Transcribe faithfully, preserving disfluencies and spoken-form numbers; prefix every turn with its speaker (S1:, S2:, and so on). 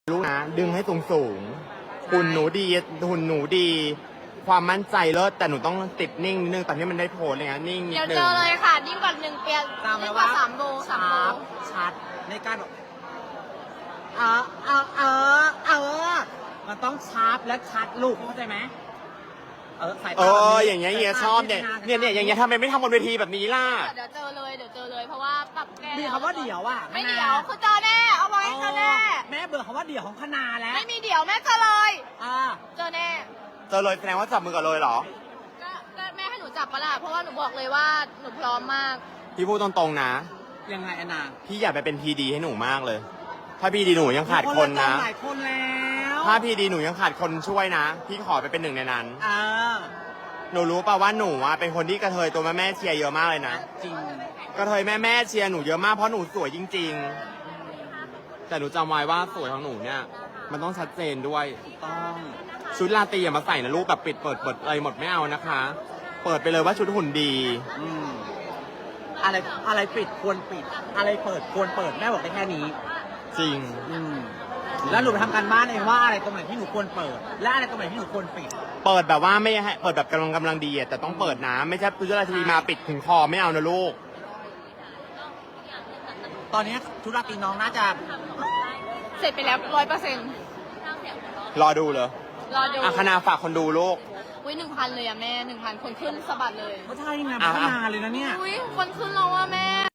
S1: ลูกนะดึงให้สูงสูงหุ่นหนูดีหุ่นหนูดี ความมั่นใจเลิศแต่หนูต้องติดนิ่งนิดนึงตอนนี้มันได้โพสเลยนะนิ่งนิด
S2: เดี๋ยว
S1: นึ
S2: เจ
S1: ง
S2: อเลยค่ะยิ่งกว่าหนึ่งเปีย
S3: จำไว้
S2: ยิ่งก
S3: ว่า
S2: ว่าสามโบสามโบ
S3: ชัดชัดในการแบบเออเออเออเออมันต้องชาร์ปและชัดลูกเข้าใจไหมเออสาย
S1: เอ
S3: ตาแบบ
S1: อ
S3: นี้
S1: อย่างเงี้ยเฮียชอบเนี่ยเนี่ยเนี่ยอย่างเงี้ยทำไมไม่ทำบนเวทีแบบนี้ล่ะ
S2: เดี๋ยวเจอเลยเดี๋ยวเจอเลยเพราะว่าปรับแก้
S3: มีคำว่าเดี่ยวอ่ะ
S2: ไม่เดี๋ยวคือเจอแน่เอาไว้เจอแน่
S3: แม่เบื่อคำว่าเดี่ยวของคณาแล้ว
S2: ไม่มีเดี๋ยวแม่เจอเลย
S3: อ่า
S2: เจอแน่
S1: เจอเลยแสดงว่าจับมือกับเลยเหรอ
S2: ก็ก็แม่ให้หนูจับปะล่ะเพราะว่าหนูบอกเลยว่าหนูพร้อมมาก
S1: พี่พูดตรงๆนะ
S3: ยังไงแอนนา
S1: พี่อยากไปเป็นพีดีให้หนูมากเลย ถ้าพีดีหนูยังขาดคนนะ
S3: หลายคนแล้ว
S1: ถ้าพีดีหนูยังขาดคนช่วยนะ พี่ขอไปเป็นหนึ่งในนั้น
S3: อ่า
S1: หนูรู้ป่าว่าหนูอะเป็นคนที่กระเทยตัวแม่แม่ๆเชียร์เยอะมากเลยนะ
S3: จริง
S1: กระเทยแม่แม่ๆเชียร์หนูเยอะมากเพราะหนูสวยจริง ๆ แต่หนูจำไว้ว่าสวยของหนูเนี่ย มันต้องชัดเจนด้วย
S3: ต้อง
S1: ชุดราตรีอย่ามาใส่นะลูกแบบปิดเปิดเปิดอะไรหมดไม่เอานะคะ เปิดไปเลยว่าชุดหุ่นดี
S3: อืมอะไรอะไรปิดควรปิด อะไรเปิดควรเปิดแม่บอกได้แค่นี้
S1: จริง
S3: อืมแล้วหนูไปทำการบ้านเองว่าอะไรตรงไหนที่หนูควรเปิด และอะไรตรงไหนที่หนูควรปิด
S1: เปิดแบบว่าไม่ให้เปิดแบบกำลังกำลังดีอะแต่ต้องเปิดนะไม่ใช่ชุดราตรีมาปิดถึงคอไม่เอานะลูก
S3: ตอนนี้ธุรกิจน้องน่าจะ
S2: เสร็จไปแล้วร้อยเปอร์เซ็นต์
S1: รอดูเลย
S2: รอดู
S1: อ่ะคณาฝากคนดูลูก
S2: อุ้ยหนึ่งพันเลยอะแม่หนึ่งพันคนขึ้นสะบัดเลย
S3: ก็ใช่ไง
S1: อ่ะ
S3: พัฒนาเลยนะเนี่ย
S2: อุ้ยคนขึ้นแล้วอะแม่